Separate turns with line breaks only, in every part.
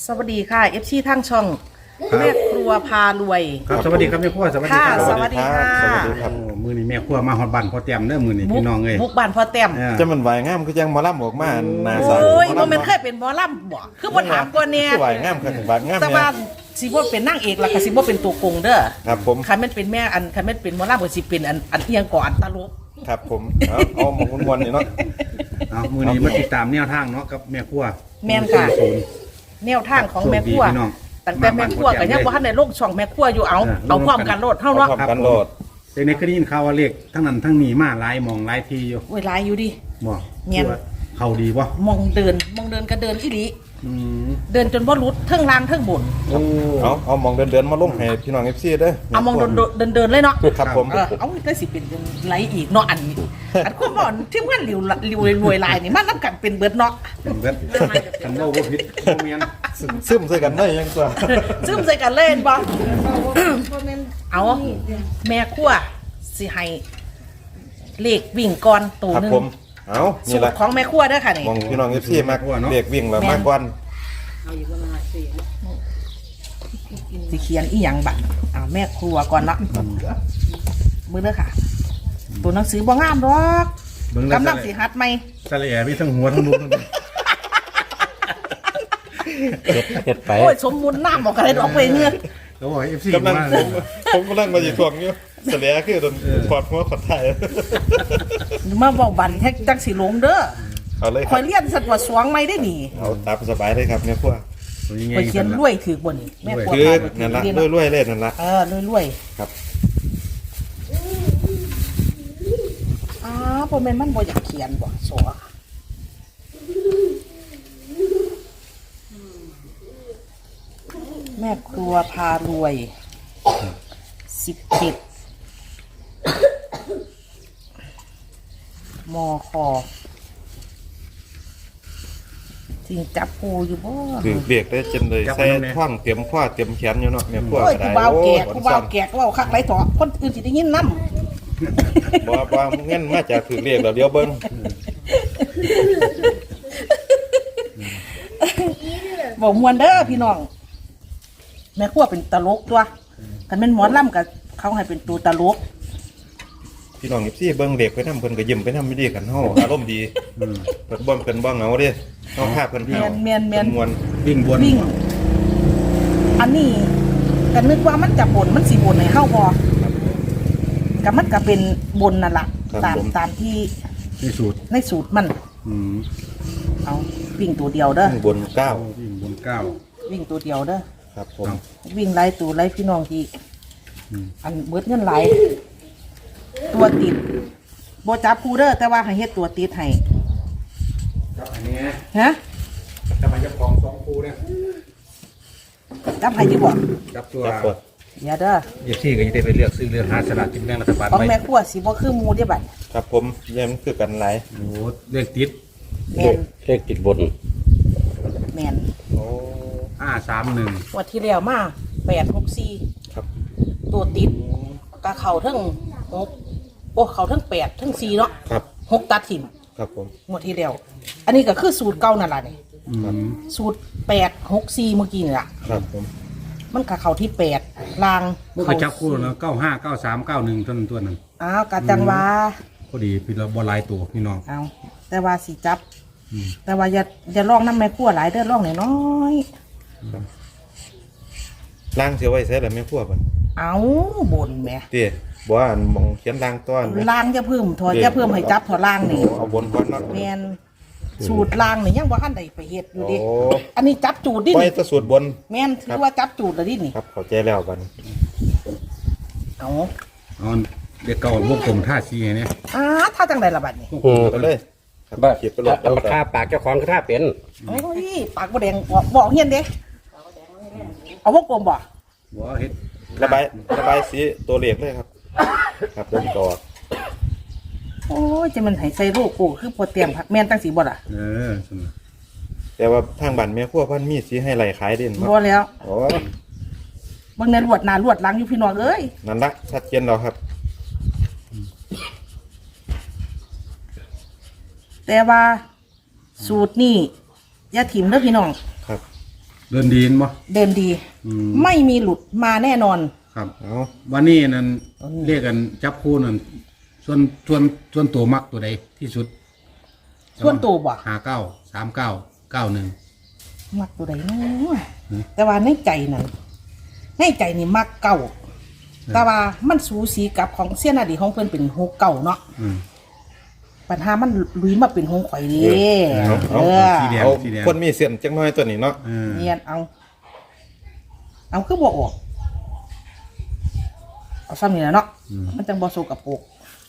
สวัสดีค่ะ FC ทางช่องแม่ครัวพารวย
ครับสวัสดีครับแม่ครัวสวัสดี
ค่ะ
ครับ
สวัสดีค่ะ
สวัสดีครับ
โอ้มือนี้แม่ครัวมาฮอดบ้านพอเตรียมเด้อมือนี้พี่น้องเอ้ย
บุกบ้านพ่อแต้ม
อ่า
จะมันไหวงามคือจังหมอลำออกมาหนาใส
โอ้ย
ห
บ่แม่นเคยเป็นหมอลำบ่คือบ่ถามก่อนเนี่ย
คือไหวงามคือไหวงาม
แต่
เนี่
ว่าย สิบ่เป็นนางเอกล่ะก็สิบ่เป็นตัวโกงเด้อ
ครับผม
คันแม่นเป็นแม่คันแม่นเป็นหมอลำก็สิเป็นอันเอียงก่อนตลก
ครับผมเอาหมกมวนๆนี่เนาะ
เอามือนี้มาติดตามแนวทางเนาะกับแม่ครัว
แม่นค่ะ
ศูนย์
แนวทางของแม่ครัว
โชคดีพี่น้อง
ตั้งแต่แม่ครัวก็ยังบ่ทันได้ลงช่องแม่ครัวอยู่เอาพร้อมกันโลดเฮา
เอา
เนาะ
พร้อมกันโลด
แต่ในคดียินข่าวว่าเลขทั้งนั้นทั้งนี้มาหลายหมองหลายทีอยู่
โอ้ยหลายอยู่ดิ
บ่
แม่น
คือว่าเขาดีบ่
มองเดินก็เดินอีหลี
อืม
เดินจนบ่หลุดเทิงล่างเทิงบน
โอ้
เอามองเดินมาลงให้พี่น้อง FC เด้อ
เอามองเดินเลยเนาะ
ครับผม
เอาได้สิเป็นไรอีกเนาะอันนี้อันคนบ่อนที่มันริวรวยลายนี่มันนำกันเป็นเบิดเนาะ
เป็นเบิดคันเว้าบ่ผิดบ่แม่น
ซึมใส่กันได้ยังตัว
ซึมใส่กันเล่นบ่เอาแม่ครัวสิให้เลขวิ่งก่อนตัว
ครับ
หนึง
ผมเอา
สู
นี่
ต
แหละ
รของแม่ครัวเด้อค่ะนี่
มองพี่น้อง FC มากเด็กวิ่งแล้วมากกว่า
สิเขียนอีหยังบัดเอาแม่ครัวก่อนเนาะมื้อเด้อค่ะ ตัวหนังสือบ่งามดอก
เบิ่งแล้ว
กำลังสิหัดใหม่
สะแหน่มีทั้งหัวทั้งลูกทั้ง
เฮ็ดไป
โอ้ยสมมุติน้ำบอกกันเลยดอกไปเงือก
เขาบอกให้ FC
กำลัง
มา
ผมกำลังมาอยู่ช่วงนี้เสลียคือโดนถอดหัวขอดไทย
มาบอกบันแท็กจังสิลงเด้อ
เอาเลย
คอยเลี้ยนสัตว์ว่าสวงไม่ได้หนี
เอาตามสบายเลยครับเนี่ยพวก
คอยเขียนรวยถือบนนี่แม่กลัว
คือ
พาไป
นั่นละ
เรียน
รวยๆเลยนั่นละ
รวย
ครับ
พ่อแม่นมันบ่อยากเขียนบ่สวแม่ครัวพารวย17มคจริงจับปูอยู่บ่
คือเบียกได้จนเลยใส่ท่องเตรียมข้อเตรียมแขนอยู่เนาะเนี่ยพวก
โอ้ย
ก็
กู
ได้
บ่าวแก่
โอ้
กูบ่าวแก่กูบ่าวคักไรต่อคนอื่นสิได้ยินนำ
บ่เงินมาจากถือเรียกแล้วเดี๋ยวเบิ่ง
บอกมวนเด้อพี่น้องแม่ครัวเป็นตลกตัวกันเป็นหมอลำกับเขาให้เป็นตัวตลก
พี่น้อง14เบิ่งเด็กไปนำเพิ่นก็ยิ้มไปนำไม่ดีกันเฮาอารมณ์ดีเพิ่นบ่เพิ่นบ่เหงาเด้เฮาพาเพิ่น
เมียนเมียนเมียน
มวน
วิ่งบน
วิ่ง อันนี้กันนึกว่ามันจะบนมันสีบนให้เข้าพอกับมันก็เป็นบนนั่นแหละตามที่
ที่สุด
ในสูตรมัน
อืม
เอาวิ่งตัวเดียวเด้อ
ข้างบน
วิ่งบนเก้า
วิ่งตัวเดียวเด้อ
9ครับผม
วิ่งไล่ตัวไล่พี่น้องที่
อืม
อันเบิดเงินไหลายตัวติดโบจับคูเด้อแต่ว่าให้เฮ็ดตัวติดให้
ครับอันนี้
ฮะ
จะมาเจ้าของสองคู่เนี่ย
จับให้อยู่บ่
จับตัว
จับกด
อย่าเด้อ
เอฟซีก็จะได้ไปเลือกซื้อเลือกหาสลากกินแบ่งรัฐบาล
ของ
ไว้
แม่ครัวสิบ่คือหมูเด้อบัด
ครับผมแย่มันคือกันหลาย
โอ้เลือกติด
แม่น
เลขติดบน
แม่น
โอ้
531
งวันที่แล้วมา864
ครับ
ตัวติดกะเข่าทั้ง6โอ้เข่าทั้ง8ทั้ง4เนาะ
ครับ
6ตัดถิ่ม
ครับผม
งวดที่แล้วอันนี้ก็คือสูตรเก่านั่นล่ะนี่
อืม
สูตร864เมื่อกี้นี่ล่ะ
ครับผม
มันกะเข่าที่8ลาง
เมื่อกี้จับคู่แล้ว95 93 91ตัวนั้น
อ้าวกะจังว่า
พอดีพี่เราบ่หลายตัวพี่น้อง
เอาแต่ว่าสิจับ
อืม
แต่ว่าอย่าลองน้ำแม่ครัวหลายเด้อลองน้อย
ล้างเสียไว้ใส่แล้วแม่พวกมัน
ๆเอาบนแหม่
เตี้ยบ่ว่าอันมองเขียนล้างต้อนไหม
ล่างจะเพิ่มถอยจะเพิ่มให้จับถอล่างนี่
เอาบนก่อนเนาะ
แมนสูตรล่างนี่ยังบ่ทันได้ไปเฮ็ดอยู่ดิ
โอ้
อันนี้จับจูดดิ
ไว้
นี่
แตะสูตรบน
แม่นถือว่าจับจูดแล้วดินี่
ครับเข้าใจแล้วบัดนี้
เอา
เอาเด็กเก่าวงกลมท่าซีเนี่ย
ถ้าจังไดล่ะบัดนี้
ไปเลยครับ
บ้า
เขียนไปเลย
เอามาฆ่าปากเจ้าของก็ท่าเป็น
โอ้ยปากบ่แดงบอกเฮียนเด้เอาวงกลมบ่
บ่เฮ็ด
ระบายสีตัวเลขเลยครับ ครับเดินต่อ
โอ้ยจะมันให้ใส่โลโก้คือพอเตรียมผักแม่นตั้งสีบ่ล่ะ
สนุก
แต่ว่าทางบ้านแม่ครัวเพิ่นมีสีให้ไหลขายเด่น
บ่แล้ว
โอ้
เบิ่งในลวดหน้าลวดหลังอยู่พี่น้องเอ้ย
นั่นละชัดเจนแล้วครับ
แต่ว่าสูตรนี่อย่าถิ่มเด้อพี่น้อง
ครับ
เดินดีนบ่
เดินดี
อืม
ไม่มีหลุดมาแน่นอน
ครับ
เอา
วันนี้นั่นเรียกกันจับคู่นั่นส่วนตัวมักตัวใดที่สุด
ส่วนตัวบ่
59 39 91
มักตัวใดเนาะแต่ว่าในใจนั่นในใจนี่มักเก่าแต่ว่ามันสูสีกับของเสี้ยนอดีตของเพิ่นเป็นหกเก่าเนาะ
อืม
ปัญหามันลุยมาเป็นหงข่อยดีเออ
สีแดง
เอา
สีแดง
คนมีเส้นจังน้อยตัวนี้เนาะ
เออ
เนียนเอาคือบ่ออกเอาซ้ำนี่แหละเนาะมันจังบ่โซกับปก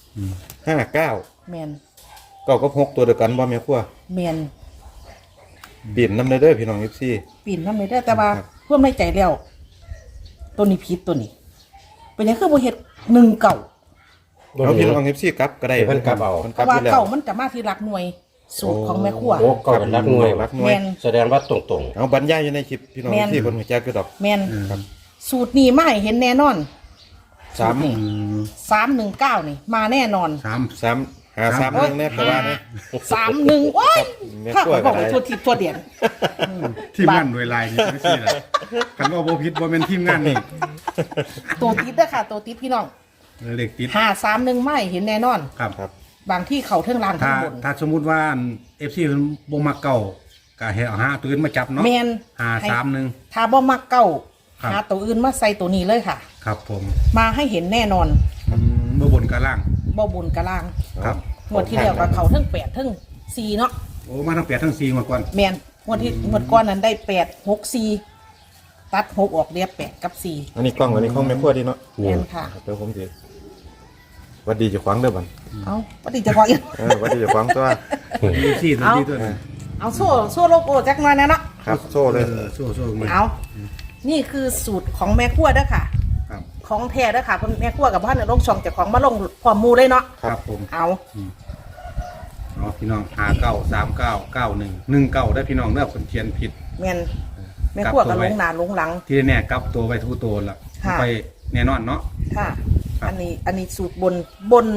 59
แมน
เก้ากับ6ตัวเดียวกันบ่แม่ครัว
แมน
เปลี่ยนนำเด้อพี่น้อง14
ปีนน้ำเลยได้อแต่ว่าเพื่อไม่ใจแล้วตัวนี้ผิดตัวนี้ เป็นหยังคือบ่เฮ็ดหนึ่งเก่า
เอาพี่น้อง14กลับก็ได้
เพิ่นกลับเอา
พิ่น
เพ
กลับ
ราะว่า
อยู่แล้ว
เก่ามันจะมาที่รักหน่วยสูตรของแม่ครัว
โอ้เก่าเป็นรักหน่วย
รักหน่วย
แม่น
แสดงว่าตรง
เอาบรรยายอยู่ในคลิปพี่น้อง
แม่น
14เพิ่นฮู้จักคือดอก
แมน
ครับ
สูตรนี้มาให้เห็นแน่นอน
3
อืม
319นี่มาแน่นอน
3 1เนี่ยก็ว่าเนี่ย
31ว้าย
แม่
ถ้า
ครัว
เขาบอก
ก็ได้
ว่าทั่วทิศทั่วเดียน
ทีมงานโดยลายนี่จังซี่ล่ะคันว่าบ่ผิดบ่แม่นทีมงานนี่
ตัวติดเด้อค่ะ ตัวติดพี่น้อง
เลขติด
531ไม่เห็นแน่นอน
ครับ
ครับ
บางที่เขาเทิงล่าง
ถ้า
ข้างบน
ถ้าสมมุติว่า FC เพิ่นบ่มักเก่าก็ให้เอาหาตัวอื่นมาจับเนาะ
แมน
531
ถ้าบ่มักเก่า
ครับ
หาตัวอื่นมาใส่ตัวนี้เลยค่ะ
ครับผม
มาให้เห็นแน่นอน
บ่บนกับล่าง
บ่บุญกะล่าง
ครับ
งวดที่แล้วก็เขาเทั้ง8เทั้ง4เนาะ
โอ้มาทั้ง8ทั้ง4มาก่อน
แมนงวดก่อนนั้นได้8 6 4ตัด6ออกเรียบ8กับ4
อันนี้กล้องอันนี้ของแม่ครัวดีเนาะ
แมนค่ะ
เดี๋ยวผมสิหวัดดีเจ้าของเด้อบัด
เอาปฏิจะพออีก
หวัดดีเจ้าของตัว
4ตัว
เอา
นี้ตัวนึง
เอาโซ่โลโก้จักหน่อยนะเนาะ
ครับโซ่เลย
โซ่ๆมา
เอานี่คือสูตรของแม่ครัวเด้อค่ะ
ครับ
ของแท้เด้อค่ะเพิ่นแม่ครัวกับพ่อเนี่ยลงช่องเจากของมาลงพร้อมหมู่เลยเนาะ
ครับผม
เอา
เอาพี่น้อง59399119ได้พี่น้องเด้อคนเขียนผิด
แมนแม่ครัวก็ลงหน้าลงหลัง
ที่แน่กลับตัวไปทุกตัวละ
ค่ะ
ไปแน่นอนเนาะ
ค่ะ
ครับ
อันนี้สูตรบน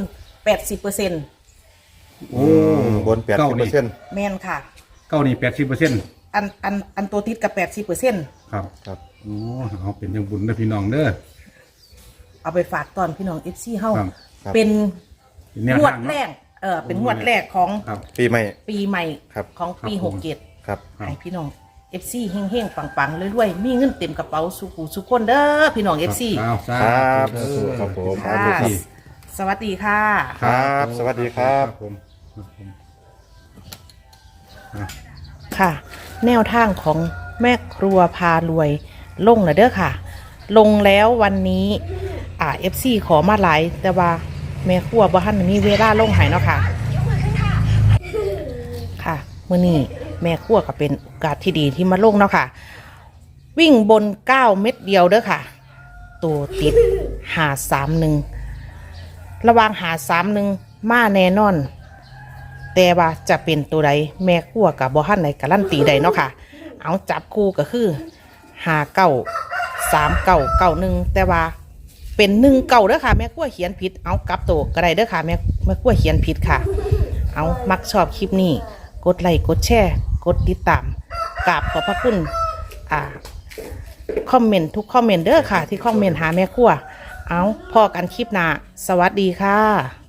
80%
โอ้
บน
เก้านี่
80%
แมนค่ะ
เก้านี่80%
อันตัวติดกับ 80%
ครับ
ครับ
โอ้เอาเป็นจังบุญเด้อพี่น้องเด้อ
เอาไปฝากตอนพี่น้อง FC เฮา
ครับ
เป็น
แนว
งวด
ทาง
แร
เนาะ
กเป็นงวดแรกของ
ครับ
ปีใหม่
ปีใหม่
ครับ
ของปี
ครับผม
67
ครับ
ให้พี่น้อง FC เฮงๆปังๆรวยๆมีเงินเต็มกระเป๋าสุขุสุขคนเด้อพี่น้อง FC
เอาสา
ครับ
ธุ
ครับผม
ค่ะ
ครับ
สวัสดีค่ะ
ครับ สวัสดีครับ
ผมครับผม
ค่ะ แนวทางของแม่ครัวพารวยลงแล้วเด้อค่ะ ลงแล้ววันนี้FC ขอมาหลายแต่ว่าแม่ครัวบ่ทันมีเวลาลงให้เนาะค่ะ ค่ะมื้อนี้แม่ครัวก็เป็นโอกาสที่ดีที่มาลงเนาะค่ะ วิ่งบน9 เม็ดเดียวเด้อค่ะ ตัวติด531ระหว่าง531มาแน่นอน แต่ว่าจะเป็นตัวใดแม่ครัวกับบ่ทันในการันตีใดเนาะค่ะ เอาจับคู่ก็คือ593991แต่ว่าเป็น19เด้อค่ะแม่ครัวเขียนผิดเอากลับตัวก็ได้เด้อค่ะแม่ครัวเขียนผิดค่ะ เอามักชอบคลิปนี้กดไลค์กดแชร์กดติดตามกราบขอบพระคุณคอมเมนต์ทุกคอมเมนต์เด้อค่ะ ที่คอมเมนต์หาแม่ครัวเอาพอกันคลิปหน้าสวัสดีค่ะ